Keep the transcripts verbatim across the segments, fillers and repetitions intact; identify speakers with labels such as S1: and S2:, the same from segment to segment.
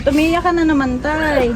S1: Tumiyak ka na naman, tay.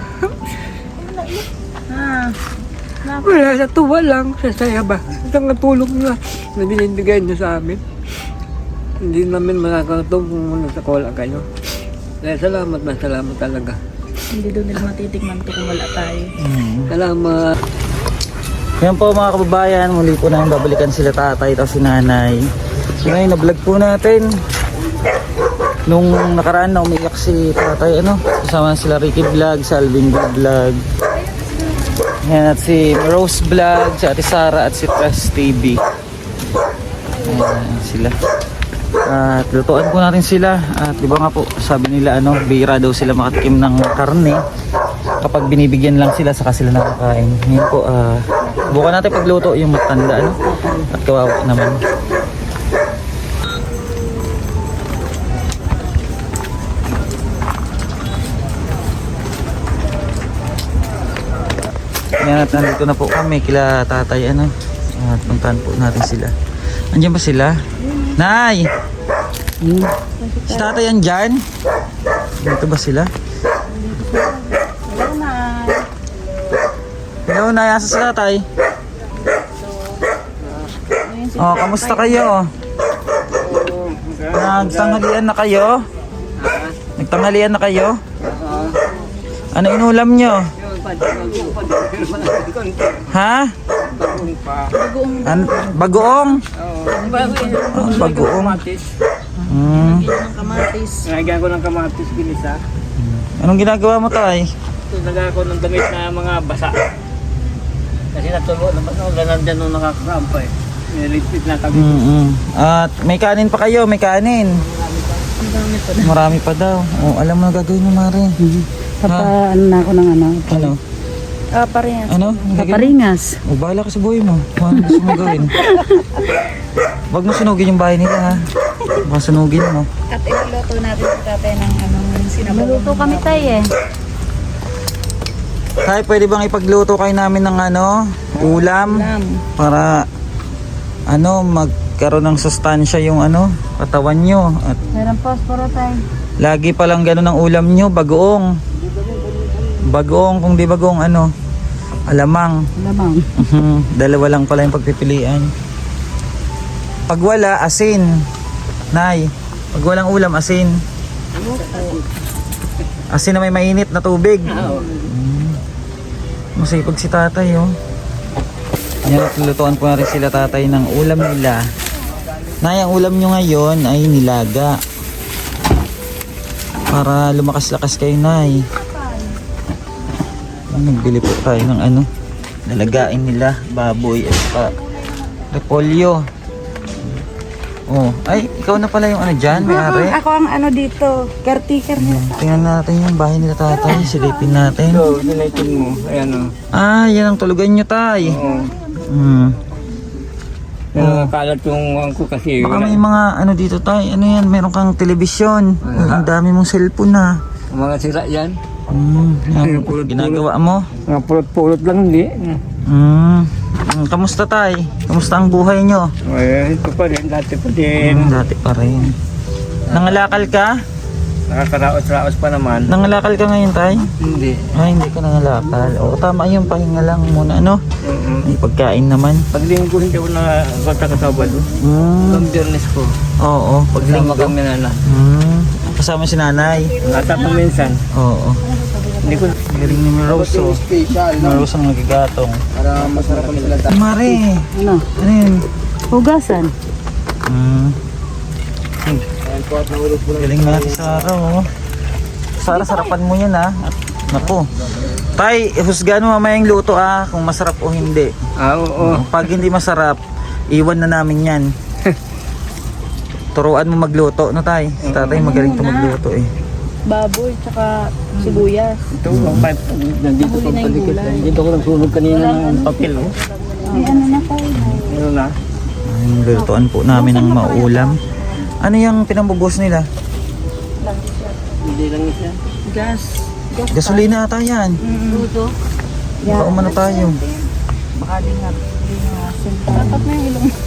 S1: Ah,
S2: Wala, sa tuwa lang, sa saya ba? Isang tulong na na binibigay niyo sa amin. Hindi namin makakatulong kung nasa kola kayo. Kaya salamat na salamat talaga.
S1: hindi doon nila matitikman to kung wala tayo.
S3: Hmm.
S2: Salamat.
S3: Yan po mga kababayan, muli po namin babalikan sila tatay at si nanay. So ngayon, na-vlog po natin. Nung nakaraan na umiyak si tatay, ano, kasama sila Ricky Vlog, si Alvin Vlog. Yan, at si Rose Vlog, si Ate Sara at si Press T V. Ayan sila. At lutuan po natin sila. At di ba nga po, sabi nila ano, bira daw sila makatikim ng karne kapag binibigyan lang sila saka sila nakakain. Ngayon po, uh, bukan natin pagluto yung matanda, ano? At kawawa naman. Yan, at nandito na po kami kila tatay, ano. At puntahan po natin sila. Andiyan ba sila? Nay! Hmm. Si tatay andyan? Dito ba sila?
S1: Hello, Nay.
S3: Hello, Nay. Asa si tatay?
S1: Ayun si
S3: Oh, kamusta kayo? Nagtanghalian na kayo? Nagtanghalian na kayo? Ano inulam nyo? Ha?
S1: Bagoong
S3: An bagoong? Oh, bagoong. Hmm.
S1: ng kamatis.
S2: Nagagawa ko ng kamatis ginisa.
S3: Anong ginagawa mo, tay?
S2: Nagagawa ko ng damit na mga basa. Kasi natulo naman ako, ganun dyan nung nakakarampa eh. Nilipit na kami.
S3: Mm -hmm. At may kanin pa kayo, may kanin.
S1: Ang dami pa na.
S3: Marami pa daw. Oh, alam mo na gagawin mo, Mari.
S4: Papa, ano na ako ng ano?
S3: Ano?
S1: Ah, paringas.
S3: Ano?
S4: Paparingas.
S3: O, bahala ka sa buhay mo. Kung ano gusto mo gawin. Huwag mo sunugin yung bahay nila, ha? Baka sunugin mo.
S1: At iluluto natin si tatay ng anong sinabaw.
S4: Maluto kami tayo eh.
S3: Tay, pwede bang ipagluto kayo namin ng ano? Ulam?
S1: Ulam.
S3: Para, ano, magkaroon ng sustansya yung ano, katawan nyo. At
S4: Meron posporo tayo.
S3: lagi palang gano'n ang ulam nyo, bagoong. Bagoong, kung di bagoong ano, alamang.
S4: Lamang.
S3: Mhm, dalawa lang pala yung pagpipilian. Pag wala, asin. Nay, pag walang ulam, asin. Asin na may mainit na tubig. Mm. Masipag si tatay, oh. Yan, at lulutuan po natin sila tatay ng ulam nila. Nay, ang ulam nyo ngayon ay nilaga. Para lumakas-lakas kayo, Nay. Nagbili po tayo ng ano, nalagain nila, baboy at pa repolyo. Oh, ay, ikaw na pala yung ano dyan, may ari.
S4: Ako ang ano dito, caretaker niya.
S3: Tingnan natin yung bahay nila tatay, silipin natin.
S2: So, sinaitin mo. Ayan o.
S3: Ah, yan ang tulugan nyo, tay.
S2: Oo.
S3: Hmm.
S2: Yan ang nakalat yung angko kasi.
S3: Baka may mga ano dito, tay. Ano yan, meron kang telebisyon. Oh, ang dami mong cellphone na.
S2: Mga sira yan.
S3: Hmm, yan, ginagawa mo.
S2: Mga pulot-pulot lang hindi.
S3: Hmm. Hmm, kamusta, tay? Kamusta ang buhay nyo?
S2: Ay, ito pa rin, dati pa din.
S3: Hmm, dati pa rin. Nangalakal ka?
S2: Nakakaraos-raos pa naman.
S3: Nangalakal ka ngayon, tay?
S2: Hindi.
S3: Ay, hindi ka nangalakal. O, tama yung pahinga lang muna, ano?
S2: Mm-mm.
S3: May pagkain naman.
S2: Paglinggo hindi ako na kota kasabado.
S3: Hmm.
S2: Ang biyernes ko.
S3: Oo,
S2: Pagsama
S3: paglinggo.
S2: kami na na.
S3: Hmm. Kasama si nanay.
S2: Ata pa minsan.
S3: Oo.
S2: Hindi ko.
S3: Galing ni Rose, oh. Rose ang nagigatong.
S2: Para masarap ang sila.
S3: Mare,
S4: Ano?
S3: ano yun?
S4: Hugasan.
S3: Hmm. Galing na si Sarah, oh. Sarah, sarapan mo yan, ah. Naku. Tay, husgahan mo mamaya yung luto, ah. Kung masarap o hindi.
S2: Ah, oo.
S3: Pag hindi masarap, iwan na namin yan. Turuan mo magluto, no, tay? Si tatay magaling to magluto, eh.
S1: Baboy, tsaka sibuyas.
S2: Ito, ang pipe. Nandito
S1: Nahuli
S2: pa
S1: na yung
S2: palikit.
S1: gulay.
S2: Dito ko nagsunog kanina ng papel, oh.
S4: May ano na tayo.
S2: Ano na?
S3: Ay, lulutuan po namin ng maulam. Ano yung pinambubos nila?
S2: Hindi lang siya.
S1: Gas. Gas.
S3: Gasolina ata yan.
S1: Luto.
S3: Baka umano tayo.
S1: Baka lingat. Tapat na yung ilong.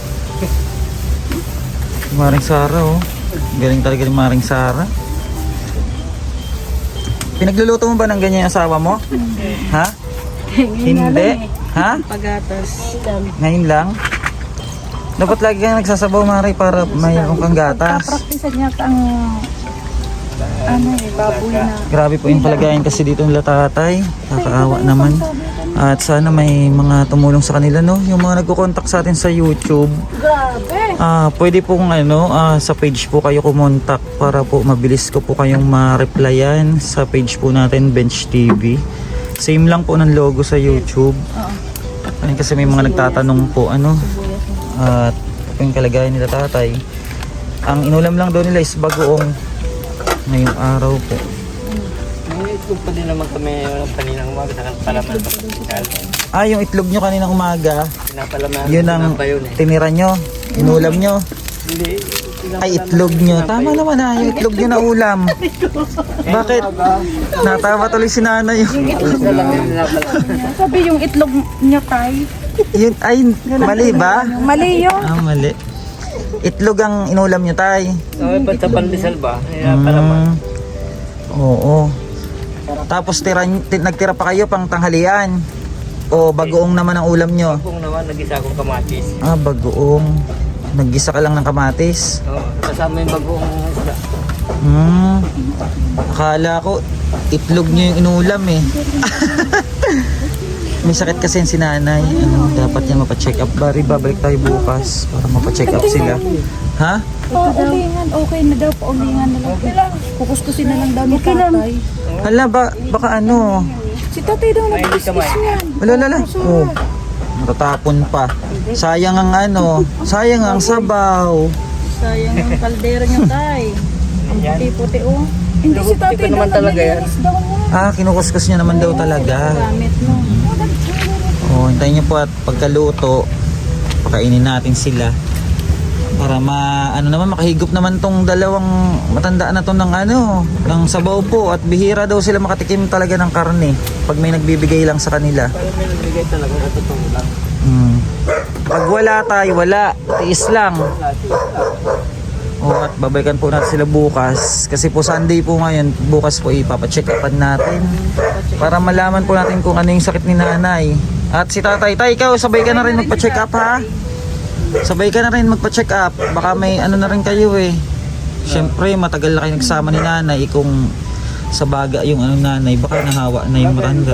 S3: Maring Sara, oh. Galing talaga ni Maring Sara. Pinagluluto mo ba ng ganyan yung asawa mo? Ha? Hindi? Ha?
S4: Pagatas.
S3: Ngayon lang? Dapat lagi kang nagsasabaw, Mari, para mayroon kang gatas.
S4: Praktisan niya ang ano eh, baboy na.
S3: Grabe po yung kalagayan kasi dito nila tatay. Nakakaawa naman. At sana may mga tumulong sa kanila, no? Yung mga nagko-contact sa atin sa YouTube.
S4: Grabe.
S3: Ah, pwede pong ano, ah, sa page po kayo kumontak para po mabilis ko po kayong ma-replyan sa page po natin, Bench T V. Same lang po ng logo sa YouTube. Ayun, kasi may mga nagtatanong po ano. At uh, yung kalagayan nila tatay. Ang inulam lang daw nila is bagoong ngayong araw po.
S2: May itlog pa din naman kami kaninang umaga sa palaman sa hospital.
S3: Ah, yung itlog nyo kaninang umaga,
S2: Pinapalaman.
S3: yun ang
S2: pa yun eh.
S3: tinira nyo, inulam nyo.
S2: Hindi.
S3: Ay, itlog nyo. Tama naman ah, yung itlog nyo na ulam. Bakit? Natawa tuloy si nanay.
S2: Isa lang yung pinapalaman.
S4: Sabi yung itlog niya tay.
S3: Yun, ay, mali ba?
S4: Mali yun.
S3: Ah, mali. Itlog ang inulam nyo, tay.
S2: Okay, pa sa pandesal ba? Pinapalaman.
S3: Mm, oo. Tapos tira, ti- nagtira pa kayo pang tanghalian. O bagoong naman ang ulam nyo?
S2: Kung naman, nag-isa akong kamatis.
S3: Ah, bagoong. Naggisa ka lang ng kamatis.
S2: Oo, kasama yung bagoong isda.
S3: Hmm. Akala ko itlog nyo yung inulam eh. May sakit kasi yung si nanay. Ano, dapat yan mapacheck up. Bari, babalik tayo bukas para mapacheck up sila. Ha?
S4: Paulingan, okay na daw. Paulingan na lang. Kukuskusin na lang daw ni tatay.
S3: Hala, ba, baka ano?
S4: Si tatay daw
S2: May hindi kamay.
S3: Wala, wala, wala. Oh, matatapon pa. Sayang ang ano, sayang ang sabaw.
S4: Sayang yung kaldero niya tay. Ang puti-puti oh. Hindi si tatay
S2: Hindi ko naman
S4: daw
S2: talaga yan.
S4: naglilinis daw niya.
S3: Ah, kinukuskus niya naman daw talaga.
S4: Gamit mo.
S3: Oh, hintayin niyo po at pagkaluto, pakainin natin sila. Para ma ano naman makahigop naman tong dalawang matanda na to ng ano, ng sabaw po, at bihira daw sila makatikim talaga ng karne pag may nagbibigay lang sa kanila.
S2: Parang may nagbigay talaga sa totoo lang.
S3: Hmm. Pag wala tayo, wala, tiis lang. Oh, at babalikan po natin sila bukas kasi po Sunday po ngayon. Bukas po ipapacheck upan natin para malaman po natin kung ano yung sakit ni nanay. At si tatay, tay, ikaw sabay ka na rin magpa-check up ha. Sabay ka na rin magpa-check up. Baka may ano na rin kayo eh. Siyempre matagal na kayo nagsama ni nanay. Kung sa baga yung ano nanay, baka nahawa na yung matanda.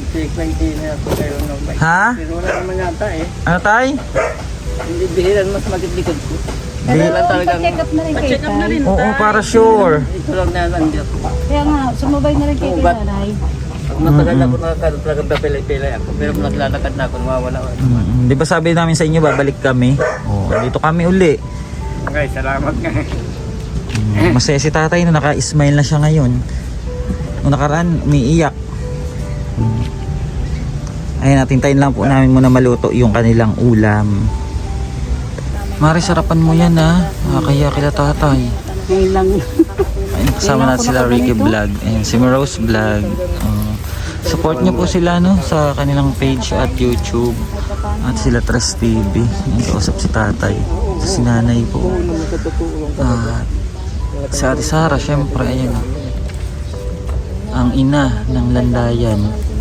S3: Ha?
S2: Pero wala naman yata eh.
S3: Ano tay?
S2: Hindi bihiran mas maglikod ko.
S3: Di,
S2: Kaya lang talagang
S4: Check up na rin kay tay.
S3: oo, para sure.
S2: ito lang na nandiyan.
S4: Kaya nga, sumabay na rin kay
S2: Ugat.
S4: nanay.
S2: Pag matagal ako nakakano talagang papilay-pilay ako. Pero kung naglalakad na ako, mawawala ako.
S3: Mm, di ba sabi namin sa inyo babalik kami? Oh, dito kami uli.
S2: Okay, salamat nga.
S3: Mm, masaya si tatay na naka-smile na siya ngayon. Nung nakaraan, umiiyak. Mm. Ayun, natintayin lang po namin muna maluto yung kanilang ulam. Mari, sarapan mo yan ha. Kaya kila tatay.
S4: Ngayon lang.
S3: Ayun, kasama natin sila Ricky Vlog. Ayun, si Rose Vlog. Uh, support niyo po sila no sa kanilang page at YouTube. At sila Tres T V. Ayun, kausap si tatay. Si nanay po. At si Ate Sara, syempre, ayun. Ang ina ng landayan.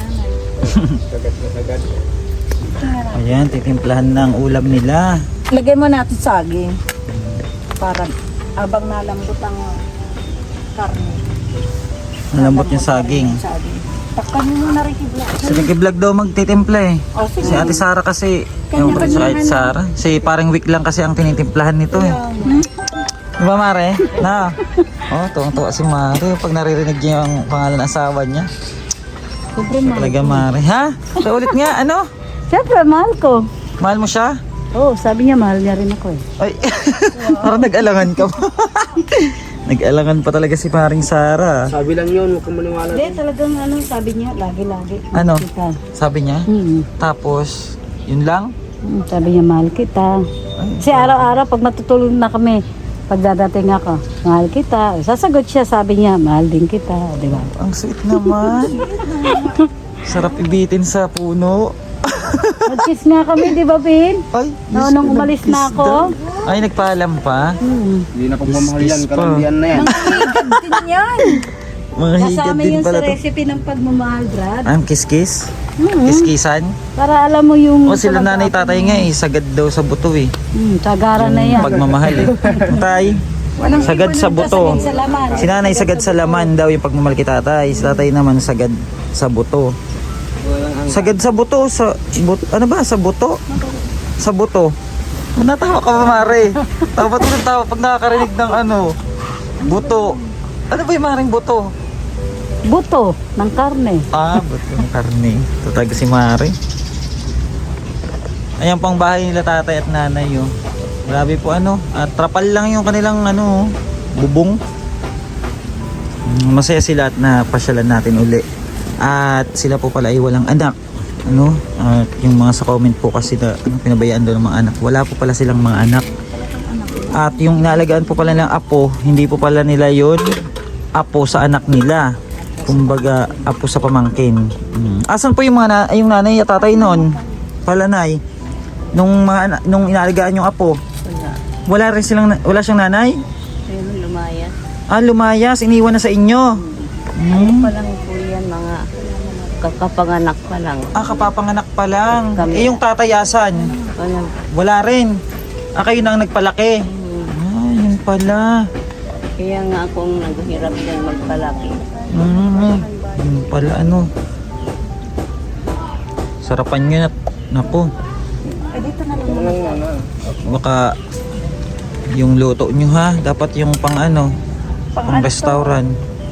S3: Ayan, titimplahan na ang ulam nila.
S4: Lagay mo natin saging. Para abang nalambot ang karne.
S3: Malambot yung saging.
S4: Saging. Takpan mo muna rin kibla.
S3: Si Ricky Vlog daw magtitimpla eh.
S4: Oh, sige.
S3: Si Ate Sara kasi, yung si Ate Sara, si parang week lang kasi ang tinitimplahan nito eh. Di ba Mare? Na? Oh, tuwang-tuwa si Mare pag naririnig niya yung pangalan ng asawa niya.
S4: Sobrang mahal.
S3: Talaga Mare. Ha? So ulit nga, ano?
S4: Siyempre, mahal ko.
S3: Mahal mo siya?
S4: Oo, oh, sabi niya mahal niya rin ako eh.
S3: Ay, parang nag-alangan ka pa. Nag-alangan pa talaga si paring Sara.
S2: Sabi lang yun, huwag kang maniwala.
S4: Hindi, talagang ano, sabi niya, lagi-lagi.
S3: Ano?
S4: Kita.
S3: Sabi niya?
S4: Hmm.
S3: Tapos, yun lang?
S4: Hmm, sabi niya, mahal kita. Kasi araw-araw, pag matutulog na kami, pagdadating ako, mahal kita. Sasagot siya, sabi niya, mahal din kita. Di ba?
S3: Ang sweet naman. Sarap ibitin sa puno.
S4: Nag-kiss nga kami, di ba, Bin?
S3: Ay,
S4: No,
S3: Diyos
S4: nung
S3: ko,
S4: umalis
S3: nag-kiss
S4: na ako.
S3: daw. Ay, nagpaalam pa.
S4: Hmm.
S2: Hindi na
S3: pagmamahal yan,
S2: kalandian
S3: na
S2: yan.
S4: Din yan.
S3: Mga higad
S4: Kasama
S3: din
S4: yun
S3: pala
S4: sa
S3: to.
S4: recipe ng pagmamahal, Brad.
S3: Ang kiskis?
S4: Mm.
S3: Kiskisan?
S4: Para alam mo yung...
S3: O sila nanay tatay nga eh, sagad daw sa buto eh.
S4: Hmm, tagara na yan.
S3: Pagmamahal eh. Tay, sagad sa buto.
S4: Sagad sa laman.
S3: Si nanay sagad sa laman daw yung pagmamahal kay tatay. Si tatay naman sagad sa buto. Sagad sa buto, sa but, ano ba, sa buto? Sa buto. Natawa ka ba, Mare? Tawa pa tulad tawa pag nakakarinig ng ano, buto. Ano ba yung maring buto?
S4: Buto ng karne.
S3: Ah, buto ng karne. Tataga si Mare. Ayan pang bahay nila tatay at nanay yun. Grabe po ano, at trapal lang yung kanilang ano, bubong. Masaya sila at napasyalan natin uli. At sila po pala ay walang anak. Ano, at yung mga sa comment po kasi na ano, pinabayaan daw ng mga anak. Wala po pala silang mga anak. At yung inaalagaan po pala ng apo, hindi po pala nila yun apo sa anak nila. Kumbaga, apo sa pamangkin. Hmm. Asan po yung mga na, yung nanay at tatay noon? Palanay. Nung mga ana- nung inaalagaan yung apo. Wala rin silang na- wala siyang nanay?
S1: Ayun, lumayas.
S3: Ah, lumayas, iniwan na sa inyo. Hmm.
S1: Pa lang po yan, mga kakapanganak pa lang.
S3: Ah, kapapanganak pa lang.
S1: Kami.
S3: Eh, yung tatayasan,
S1: Walang,
S3: wala rin. Ah, kayo na ang nagpalaki. Ah, yun pala.
S1: kaya nga akong naghirap din magpalaki.
S3: Hmm, yun pala ano. Sarapan nyo na. Naku. Baka yung luto nyo ha, dapat yung pang ano, pang restaurant.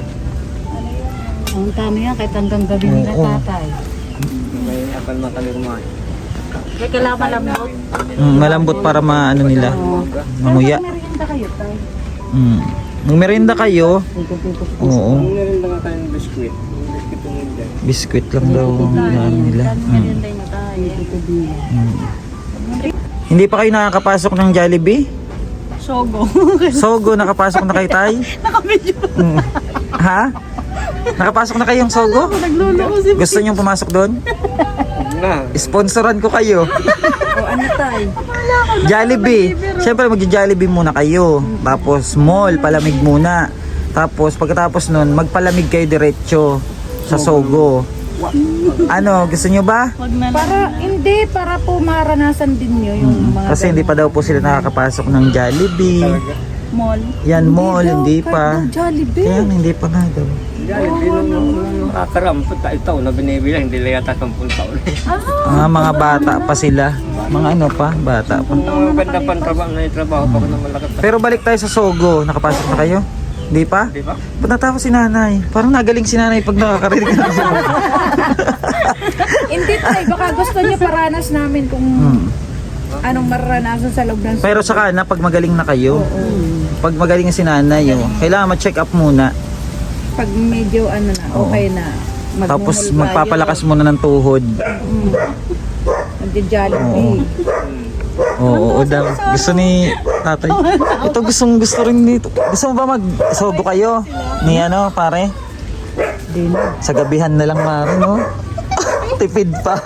S4: Ang tama yan, kahit hanggang gabi nila
S3: Oo.
S4: tatay.
S2: May akal makalirman.
S4: Kaya kailangan malambot.
S3: Mm, malambot para maano nila, manguya.
S4: Merienda kayo, tay.
S3: Mm. Magmerienda kayo. Oo.
S2: Meron na nga tayong biskuit. Biskuit yung hindi.
S3: Biskuit lang daw ang ano nila. Mm. Mm. Hindi pa kayo nakakapasok ng Jollibee?
S1: Sogo.
S3: Sogo, nakapasok na kayo tay?
S1: Nakabidyo.
S3: Mm. Ha? Nakapasok na kayong Sogo?
S1: Nagluloko si...
S3: Gusto nyo pumasok doon?
S2: Na.
S3: Sponsoran ko kayo.
S1: O ano tay?
S3: Jollibee. Siyempre magja-Jollibee muna kayo. Tapos mall, palamig muna. Tapos pagkatapos nun, magpalamig kayo diretso sa Sogo. Ano, gusto nyo ba?
S1: Wag na lang.
S5: Para, hindi, para po maranasan din nyo yung mga
S3: Kasi hindi pa daw po sila nakakapasok ng Jollibee.
S1: Mall.
S3: Yan mall, hindi pa.
S5: Jollibee.
S3: Kaya hindi pa nga daw.
S2: Jollibee nung nung nakakarampot tayo taon na binibilang, hindi lang yata sampung taon.
S3: Mga mga bata pa sila. Mga ano pa, bata pa.
S2: Ang ganda pang trabaho na yung trabaho pa ko na malaki pa.
S3: Pero balik tayo sa Sogo. Nakapasok na kayo? Hindi pa?
S2: Di ba?
S3: Ba't natawa si nanay? Parang nagaling si nanay pag nakakarinig ng Sogo.
S5: Hindi tayo, baka gusto nyo paranas namin kung
S3: Hmm.
S5: anong mararanasan sa loob ng
S3: Pero saka na, pag magaling na kayo, pag magaling na si nanay, oh, kailangan ma-check up muna.
S5: pag medyo ano na, okay na. Magmumul
S3: Tapos
S5: tayo,
S3: magpapalakas muna ng tuhod.
S5: Magja-Jollibee.
S3: Oo, oo daw. Gusto ni tatay. Ito gustong gusto rin nito. Gusto mo ba mag-sobo kayo? Ni ano, pare?
S4: Di na.
S3: Sa gabihan na lang, mare, no? Tipid pa.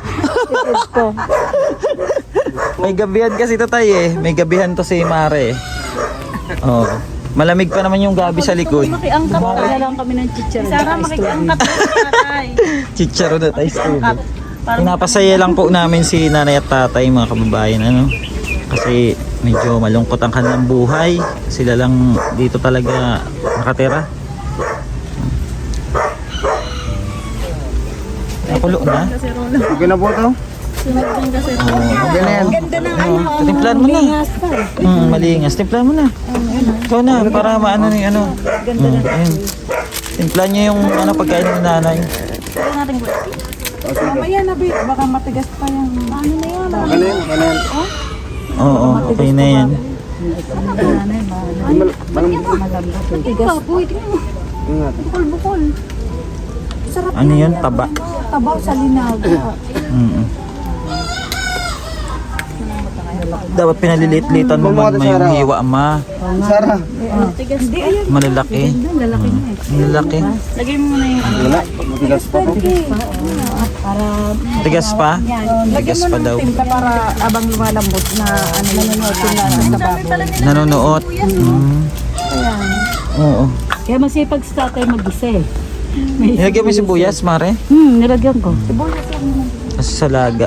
S3: May gabihan kasi ito tayo eh. May gabihan to si Mare. Oh. Malamig pa naman yung gabi sa likod.
S1: Makiangkat
S4: Kaya lang kami ng chicharon.
S1: Sarang makiangkat tatay.
S3: Chicharo na tayo studio. Pinapasaya lang po namin si nanay at tatay, mga kababayan, ano. Kasi medyo malungkot ang kanilang buhay. Sila lang dito talaga nakatira. Nakulo na?
S2: Okay na po ito?
S3: Okay na yan. Timplan mo na. Mm, malingas. Timplan mo na. Ikaw na, para maano ni ano. Mm, ayun. Timplan niyo yung ano, pagkain ni nanay.
S5: Mamaya na, babe. Baka matigas pa yung... Ano na yun?
S2: Ano yan? Ano yan?
S3: Oo, okay na yan.
S5: Matigas po.
S2: Ingat.
S5: Bukol-bukol. Sarap
S3: Ano yun? Taba.
S5: tabaw sa linaga.
S3: Mm. Dapat pinalilit-litan mo man may yung hiwa, ma.
S2: Sarah.
S5: Hindi, ayun.
S3: Malalaki.
S5: Lalaki na eh.
S3: Malalaki.
S1: Lagay mo na yung ano.
S2: Wala. Matigas pa po.
S5: Para...
S3: Tigas pa?
S5: Lagyan
S3: Tigas
S5: mo
S3: pa
S5: ng
S3: daw.
S5: timpla para abang lumalambot na ano nanonood yung nasa baboy.
S3: Nanonood. Mm. Oo.
S4: Kaya masipag sa tatay mag-isa eh. May
S3: Nilagyan mo yung sibuyas, Mare?
S4: Hmm, nilagyan ko.
S3: Kasi sa laga.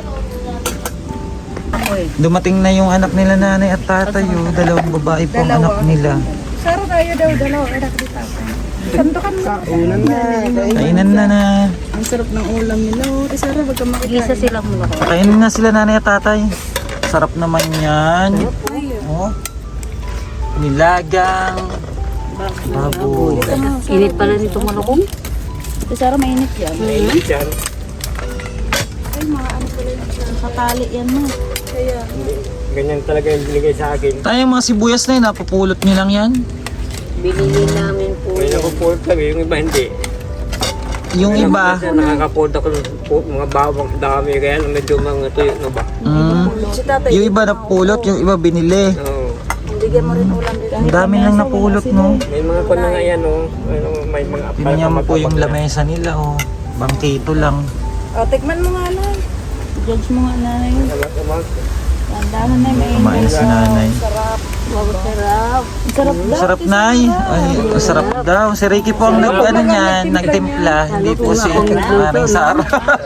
S3: Dumating na yung anak nila nanay at tatay. Oh. Dalawang babae po ang anak nila.
S5: Saro tayo daw, dalawa. Anak dito. Sandukan mo.
S1: Unan na.
S3: Kainan na na.
S5: Ang sarap ng ulam nila. Oh. Eh, Saro, wag ka makikain.
S4: Isa sila mula ko.
S3: Kainin na sila nanay at tatay. Sarap naman yan. Oh. Nilagang. Baboy.
S4: Init pala nito malukong.
S5: Eh, Saro, mainit yan.
S2: Yan.
S5: Ay, mga ano pala yun. Nakatali yan mo. Kaya,
S2: Ganyan talaga yung binigay sa akin.
S3: Tayo mga sibuyas na yun, napupulot nyo lang yan.
S4: Binili namin po.
S2: May nakapulot lang eh, yung iba hindi.
S3: Yung iba,
S2: Kasi nakakapulot ako ng pu- mga bawang dami, kaya lang medyo mga tuyo na ba?
S3: mm,
S5: si tatay.
S3: yung iba napulot, yung iba binili.
S2: Oo.
S5: Bigyan mo rin ulam dito.
S3: Ang dami lang napulot, no?
S2: May mga kung na nga yan, oh. Ano, may mga
S3: Tingnan mo po yung lamesa nila, oh. Bangkito lang.
S5: O, tikman mo nga na. Judge mo nga na yun. Tandahan na may
S3: Kumain si nanay.
S5: sarap.
S4: Wow, sarap.
S5: Ang sarap daw.
S3: Sarap, Nay. Ay, ang sarap daw. Si Ricky po ang nag, ano niyan, nagtimpla. Hindi po si Maring Sara.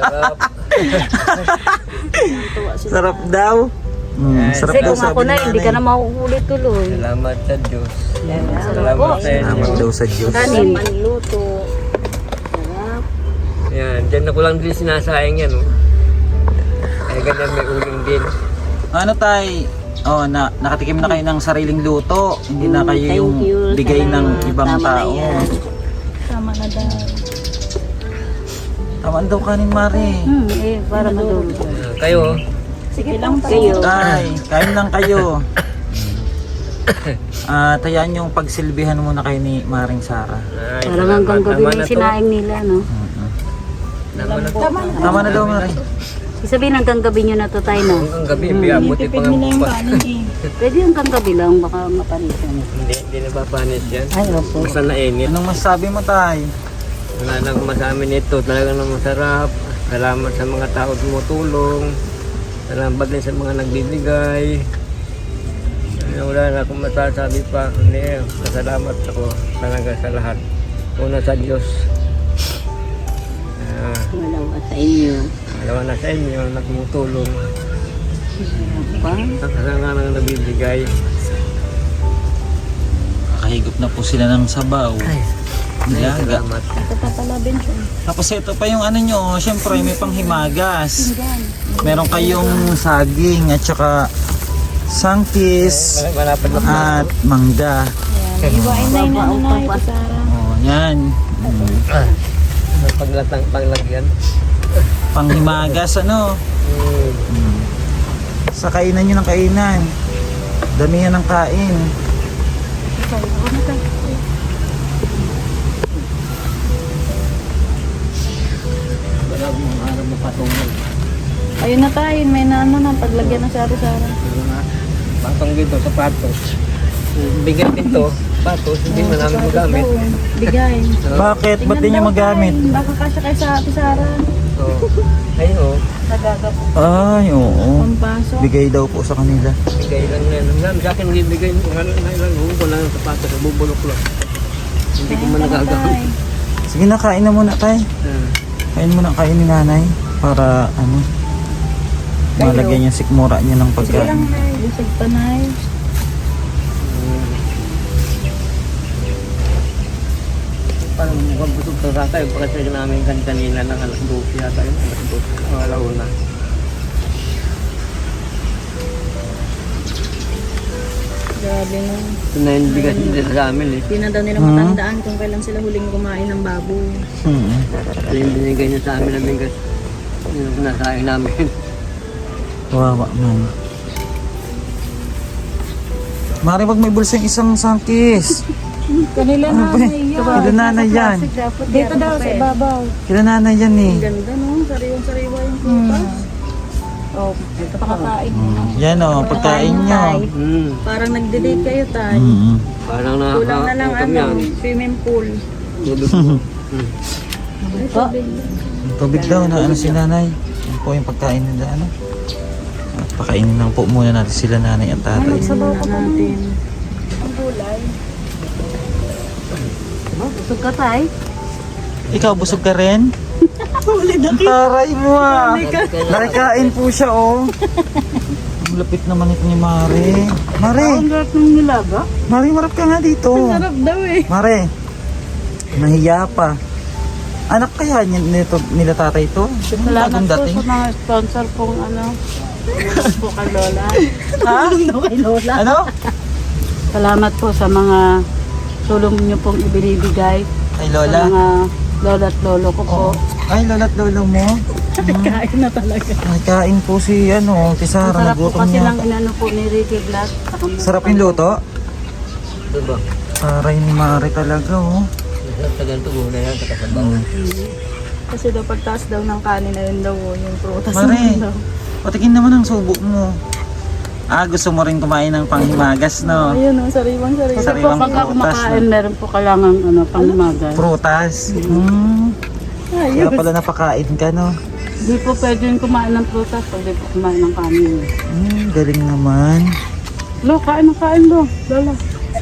S3: Sarap daw. Mm, sarap
S4: Kasi
S3: daw
S4: kung ako
S3: sabi
S4: na,
S3: ni
S4: hindi ka na
S3: nanay.
S4: mauulit tuloy.
S2: Salamat sa Diyos.
S4: Salamat
S2: Salamat
S4: po.
S2: sa inyo.
S3: Salamat daw sa Diyos.
S4: Kanin, manluto. Sarap.
S2: Yan, dyan na ko lang din sinasayang yan, oh. Ay, ganyan may uling din.
S3: Ano tay? Oh, na nakatikim na kayo ng sariling luto. Hindi na kayo
S4: Thank
S3: yung
S4: you.
S3: bigay ng
S4: Salamat.
S3: ibang
S4: Tama na
S3: tao.
S4: yan.
S5: Tama na daw.
S3: Tamaan daw kanin, Mari.
S4: Hmm, eh, para madulog.
S2: Ah, kayo,
S5: Sige lang
S4: Kayo.
S3: Tay, kain lang kayo. Ah, tayaan yung pagsilbihan muna kayo ni Maring Sara.
S2: ay,
S4: Parang hanggang gabi
S2: Tama
S4: na
S2: na
S4: yung
S2: to.
S4: sinaing nila, no?
S2: Tama na to.
S3: Tama na daw, Mari.
S4: Sabihin hanggang gabi nyo na to tayo, no?
S2: Hanggang gabi, biyabuti pa nga bukas.
S4: Pwede hanggang gabi lang, baka mapanisan.
S2: Hindi, hindi napapanis yan.
S4: Ay, opo.
S2: Basta nainit.
S3: Anong masasabi mo, Tay?
S2: Wala nang masabi nito, talagang na masarap. Salamat sa mga tao tumutulong. Salamat din sa mga nagbibigay. Ano, wala na akong masasabi pa. Hindi, masalamat ako talaga sa lahat. Una sa Diyos. Ah,
S4: Wala sa inyo.
S2: dalawa na sa inyo na tumutulong.
S4: Pa?
S2: Sa nga nang nagbibigay.
S3: Kahigop na po sila ng sabaw. Nilaga.
S2: Salamat.
S3: Tapos ito pa yung ano nyo, syempre may panghimagas. Meron kayong saging at saka sangkis
S2: Malapad na po.
S3: at mangga.
S5: Iwain na yun ano na ito, Sara.
S3: Oh, yan. Mm.
S2: Paglatang panglagyan.
S3: Panghimagas ano.
S2: Hmm.
S3: Sa kainan nyo ng kainan. Damihan ng kain.
S2: Wala akong araw mapatungol.
S5: Ayun na tayo, may na ano na, paglagyan na Sara, Sara.
S2: Patong dito, sapatos. Bigay dito, sapatos, hindi mo namin magamit.
S5: Bigay.
S3: Bakit? Ba't di nyo magamit?
S5: Baka kasya kay sa ate Sara.
S2: So, ayun o,
S5: Nagagap.
S3: Ay, oo.
S5: Pampasok.
S3: Bigay daw po sa kanila.
S2: bigay lang yan. Ang dami sa akin, bibigay mo nga lang, lang, huwag ko lang ng sapatos, bubulok lang. Hindi ko man nagagamit.
S3: Sige na, kain na muna tayo.
S2: Ah.
S3: Kain muna kain ni nanay. Para ano, malagyan yung sikmura niya ng pagkain.
S5: Busog pa na eh.
S2: Parang mukhang busog to sa tayo. Pagkasaya namin kan kanina ng alas dose yata yun. Alas dose. O alauna.
S5: Grabe na.
S2: Ito na yung bigas nila sa amin eh.
S5: Hindi na daw nila matandaan kung kailan sila huling kumain ng baboy.
S3: Hmm.
S2: Ito yung binigay niya sa amin ng bigas. Yun ang nasahin namin.
S3: Kawawa man. Mari, wag may bulsa yung isang sangkis.
S5: Kanila
S3: Ano ba? Kila nanay yan.
S5: Dito daw sa ibabaw.
S3: Kila nanay yan eh.
S5: Ganda no, sariwang-sariwa yung kupas. Oh, ito pakakain.
S3: Mm. Yan o, pagkain nyo.
S2: Hmm.
S5: Parang nagde-date kayo tay.
S3: Mm.
S2: Parang
S5: Kulang na lang
S2: nakakautam
S5: ano,
S2: yan.
S5: swimming pool.
S2: Tubig ko. Hmm.
S3: Tubig daw na ano si nanay. Yan po yung pagkain nila ano. At pakainin lang po muna natin sila nanay at tatay.
S5: Sabaw ka natin.
S2: Yan
S4: Busog ka tay.
S3: Ikaw, busog ka rin? Taray mo ah. Nakikain po siya oh. Ang lapit naman ito ni Mare. Mare,
S4: Ang lahat ng nilaga.
S3: Mare, marap ka nga dito.
S5: Sarap daw eh.
S3: Mare, nahiya pa. Anak kaya niya nito, nila tatay ito?
S4: Salamat
S3: Bagong
S4: po
S3: dating.
S4: sa mga sponsor pong ano. Salamat po kay Lola.
S3: Ha?
S4: Kay Lola.
S3: Ano?
S4: Salamat po sa mga tulong niyo pong ibinibigay.
S3: Kay
S4: Sa
S3: Lola?
S4: mga lola at lolo ko po.
S3: Oh. Ay, lola at lolo mo.
S5: Kain na talaga.
S3: Nakain po si ano,
S4: Ang
S3: Tisara,
S4: sarap po
S3: nagutom
S4: kasi
S3: niya.
S4: ng inano po ni Ricky Glass.
S3: Sarap yung luto?
S2: Diba?
S3: Taray ni Mare talaga oh.
S2: Sa ganito muna yan, sa kasabaw.
S5: Kasi daw pagtaas daw ng kanin na yun daw oh, yung prutas na
S3: Mare,
S5: yun daw.
S3: patikin naman ang subo mo. Ah, gusto mo rin kumain ng panghimagas, no?
S5: Ayun oh, sariwang sariwang.
S4: Kasi po
S3: Sariwang
S4: pagka
S3: prutas,
S4: kumakain, meron po kailangan ano, pangmagal.
S3: Prutas. Hmm. Kaya
S5: Ayun.
S3: pala napakain ka, no?
S4: Hindi po pwede yung kumain ng prutas, pwede po kumain ng kanin.
S3: Hmm, galing naman.
S4: Lo, kain ng kain lo, Lola.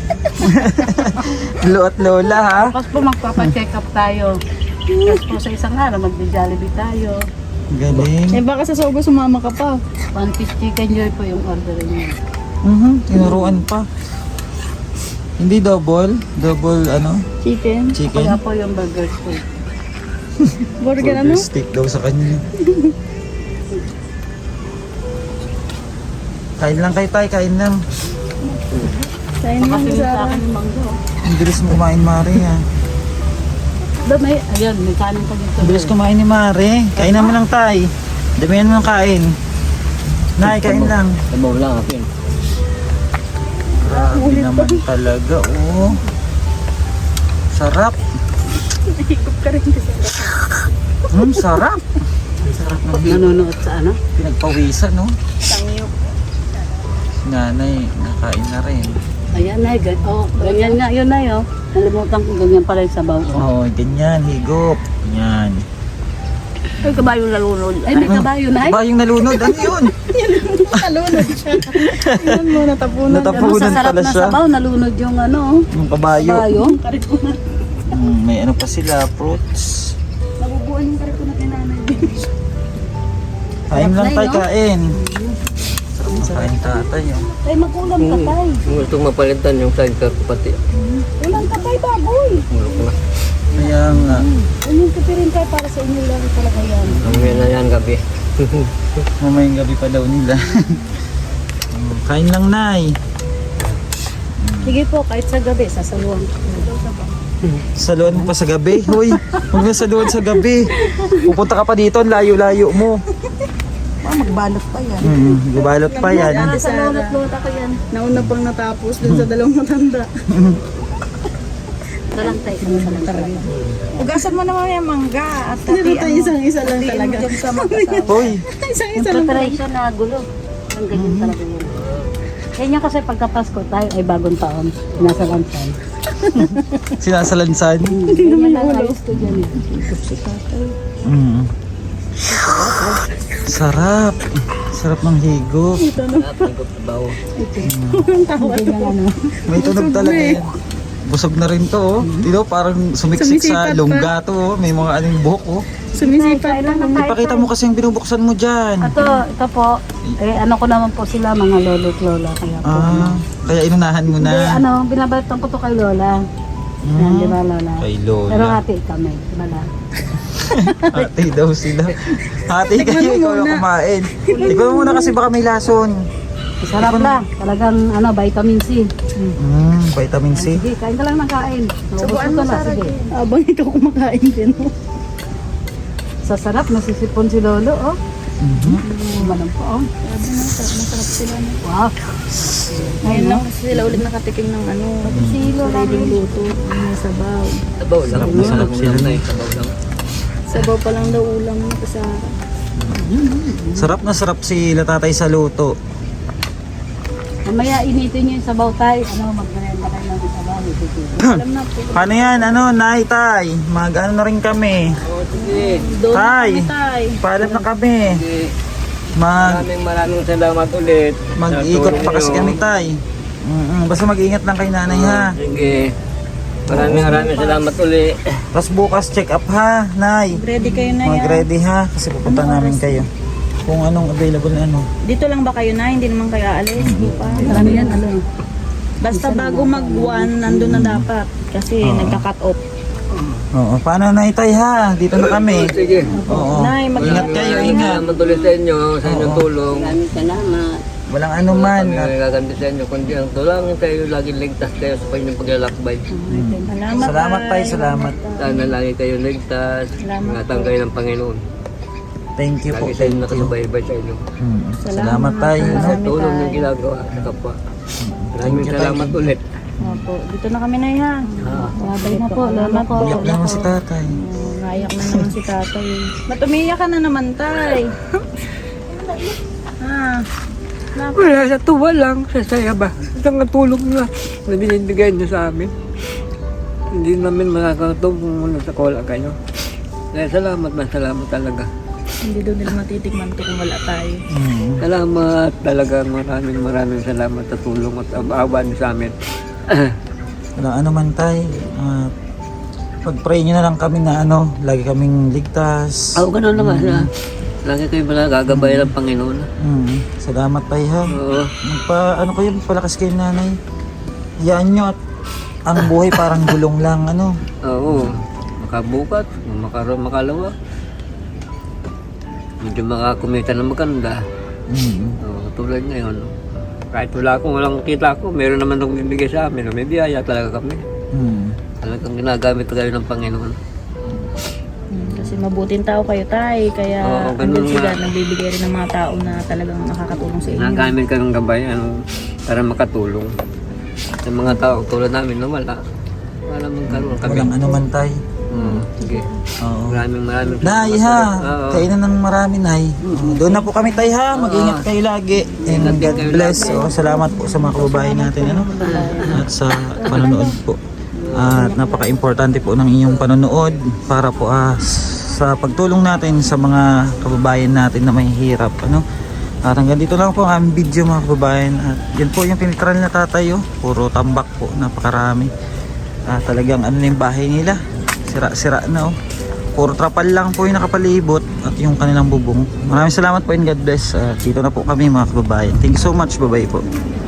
S3: Lo at Lola, ha?
S4: Tapos po magpapa-check up tayo. Tapos po sa isang araw, magbe-jollibee tayo.
S3: Galing.
S5: Eh baka sa sogo sumama ka pa.
S4: One piece chicken joy po yung order niyo.
S3: Mhm, tinuruan pa. Hindi double, double ano,
S5: Chicken.
S3: chicken.
S4: Kaya po yung burgers po.
S5: Burger ano?
S3: steak daw sa kanya. Kain lang kayo tayo, kain lang.
S5: Kain lang
S4: Kasi sa
S5: sa
S4: akin yung manggo.
S3: Ang bilis mo kumain, Mare, ha?
S4: Doon may, ayun, may kanin pa dito.
S3: Ang bilis kumain ni Mare. Kain naman lang tayo. Damihan mo ng kain. Nay, kain lang.
S2: Sabaw lang ako yun.
S3: Grabe naman talaga, oh. Sarap.
S5: higop ka rin kasi.
S3: Hmm, sarap. Sarap ng big.
S4: Nanonood sa ano?
S3: Pinagpawisan, no?
S5: Tangyo.
S3: Nanay, nakain na rin.
S4: Ayan na, gan oh, ganyan nga yun na yun. Nalimutan ko ganyan pala yung sabaw ko.
S3: Oo, oh, ganyan, higop. Yan.
S4: Ay, kabayo nalunod. Ay, may kabayo na.
S3: Ba yung nalunod? Ano yun?
S5: Nalunod siya. Tingnan mo, natapunan.
S3: Natapunan.
S4: Sa sarap
S3: pala
S4: na
S3: siya.
S4: sabaw, nalunod yung ano,
S3: Yung kabayo.
S4: kabayo.
S3: Hmm, may ano pa sila, fruits.
S5: Nabubuan yung karito na tinanay.
S3: Kain lang
S4: na,
S3: tayo,
S4: no?
S3: kain. Sarap na kain tatay. Oh.
S4: Ay, mag-ulam ka tay.
S2: Kung gusto mapalitan yung sidecar ko pati.
S4: Ulam ka tay, baboy.
S2: Mulok na.
S3: Kaya nga,
S4: Ulam ka rin tayo para sa inyo lang talaga yan.
S2: Mamaya na yan gabi.
S3: mamayang gabi pa daw nila. Hmm, kain lang, Nay.
S4: Sige po, kahit sa gabi, sasaluhan ko.
S3: Saluhan mo pa sa gabi. Hoy, huwag na saluhan sa gabi. Pupunta ka pa dito, ang layo-layo mo.
S1: Magbalot pa yan.
S3: Hmm, gubalot pa yan.
S4: Sa lulot-lulot ako yan.
S5: Nauna pang natapos dun sa dalawang matanda.
S4: Ito lang tayo, isa lang talaga.
S1: Ugasan mo naman yung mangga at
S5: Dito tayo isang-isa lang talaga.
S1: dyan sa magkasama.
S3: Hoy,
S4: Yung
S5: Isang-isa lang talaga.
S4: preparation na gulo. Ang ganyan talaga yun. Kaya niya kasi pagka Pasko tayo ay bagong taon. Nasa lansan.
S3: sinasalansan.
S4: Hindi naman yung ayos ko dyan eh.
S3: Mm. Sarap. Sarap ng higop.
S2: Lahat ng sabaw.
S4: Ganyan ano.
S3: May tunog talaga yan. Busog na rin to, oh. Dito, parang sumiksik sa
S5: Sumisipat pa.
S3: lungga to, oh. May mga anong buhok, oh.
S5: Sumisipat pa.
S3: Ipakita mo kasi yung binubuksan mo dyan.
S4: Ito, ito po. Eh, ano ko naman po sila, mga lolo at lola. Kaya po.
S3: Ah, kaya inunahan mo
S4: Hindi,
S3: na.
S4: ano, binabalitan ko to kay lola. Yan, di ba lola?
S3: Kay
S4: Pero
S3: Lola.
S4: hati kami, di ba la?
S3: Hati daw sila. Hati kayo, ikaw na kumain. Ikaw muna kasi baka may lason.
S4: Sarap lang. Talagang ano, vitamin C.
S3: Mm, vitamin C.
S4: Sige, kain ka lang ng kain. Subuan mo na, sige.
S5: Abang ikaw kumakain din. oh.
S4: Sa sarap, nasisipon si lolo, oh.
S3: Mhm.
S4: Malam po, oh.
S5: Sabi na, sarap na sarap sila. no?
S4: Wow.
S5: Ngayon lang kasi sila ulit nakatikim ng ano.
S4: Si lola
S5: Sariling
S4: rin.
S5: luto. May sabaw.
S2: Sabaw lang.
S3: Sarap na sarap sila.
S2: Na yung sabaw lang.
S5: Sabaw pa lang daw ulam mo sa
S3: Sarap na sarap sila tatay sa luto.
S4: Mamaya initin niyo yung sabaw tayo. Ano, magmerenda kayo ng sabaw.
S5: alam na po.
S3: Paano yan? Ano, Nay, Tay? Mag-ano na rin kami.
S2: Oo, sige.
S5: Doon na
S3: Tay.
S5: kami tay.
S3: Paalam na kami.
S2: Sige.
S3: Mag,
S2: Maraming maraming salamat ulit.
S3: mag-ikot
S2: Sa
S3: pa
S2: tulong
S3: kasi
S2: niyo.
S3: kami, Tay. Mm-mm. Basta mag-ingat lang kay nanay, ha?
S2: Sige. Maraming maraming salamat uli.
S3: Tapos bukas check up ha, Nay.
S5: Ready kayo na yan.
S3: Mag-ready ha, kasi pupunta namin kayo. Kung anong available na ano.
S5: Dito lang ba kayo na? Hindi naman kayo aalis. Bukas.
S4: Marami yan, ano.
S5: Basta bago mag one, nandun na dapat. Kasi nagka-cut off.
S3: Oo, paano na itay ha? Dito na kami.
S2: Sige.
S3: Oo.
S5: Nay, mag-
S3: Ingat kayo, ingat.
S2: Salamat ulit sa inyo, sa inyong tulong.
S1: Maraming salamat.
S3: Walang ano man.
S2: Kami nagaganti sa inyo, kundi ang tulangin tayo, laging ligtas kayo sa inyong paglalakbay.
S5: Salamat,
S3: Salamat tayo, salamat.
S2: Sana lagi kayo ligtas, ingatan kayo ng Panginoon.
S3: Thank you po,
S2: Lagi sa
S3: thank
S2: inyo
S3: you.
S2: nakasubaybay sa inyo.
S3: Hmm. Salamat tayo.
S2: Sa tulong yung ginagawa sa kapwa. Maraming salamat ulit.
S5: Opo, dito na kami na yan.
S4: Babay na po, lolo ko.
S3: Iyak na naman si tatay.
S5: Oh, naiyak na naman si tatay. Ba't umiiyak ka na naman, tay? Ah,
S2: Wala, sa tuwa lang, sa saya ba? Isang tulong na na binibigay niyo sa amin. Hindi namin makakatulong kung muna sa kola kayo. Kaya salamat na salamat talaga.
S5: hindi daw nila matitikman to kung wala tayo.
S3: Hmm.
S2: Salamat talaga, maraming maraming salamat sa tulong at awa niyo sa amin.
S3: Walang ano man tayo. Uh, pag-pray nyo na lang kami na ano, lagi kaming ligtas.
S2: Oo, ganun naman siya. Lagi kayo pala gagabay ng Panginoon.
S3: Hmm. Salamat tayo ha.
S2: Oo.
S3: Magpa, ano kayo, palakas kayo nanay. Hayaan nyo at ang buhay parang gulong lang, ano.
S2: Oo. Makabukat, makaroon, makalawa. Medyo makakumita na maganda.
S3: Hmm.
S2: Oo, tulad ngayon. Kahit wala akong walang kita ko, meron naman akong bibigay sa amin. May biyaya talaga kami.
S3: Hmm.
S2: Talagang ginagamit kayo ng Panginoon.
S5: Hmm, kasi mabuting tao kayo, tay. Kaya
S2: Oo, ganun
S5: andun sila,
S2: nga.
S5: nagbibigay rin ng mga tao na talagang nakakatulong sa inyo.
S2: Ginagamit ka ng gabay ano, para makatulong. Sa mga tao tulad namin na wala. Wala magkaroon kami.
S3: Walang ano man tayo.
S2: Hmm, sige.
S3: Oo.
S2: Maraming maraming
S3: Nay
S2: salamat
S3: ha,
S2: ulit. Oo.
S3: kainan ng marami nay. Doon na po kami tay ha, mag-ingat kayo lagi. And
S2: Ingat din
S3: God
S2: kayo
S3: bless.
S2: lagi.
S3: Oh, salamat po sa mga kababayan natin ano. At sa panonood po. At napaka-importante po ng inyong panonood para po ah, sa pagtulong natin sa mga kababayan natin na mahihirap ano. At hanggang dito lang po ang aming video mga kababayan. At yan po yung pinitral na tatay oh. Puro tambak po, napakarami. Ah, talagang ano na yung bahay nila. Sira-sira na oh. Puro trapal lang po yung nakapalibot at yung kanilang bubong. Maraming salamat po and God bless. Uh, dito na po kami mga kababayan. Thank you so much. Bye-bye po.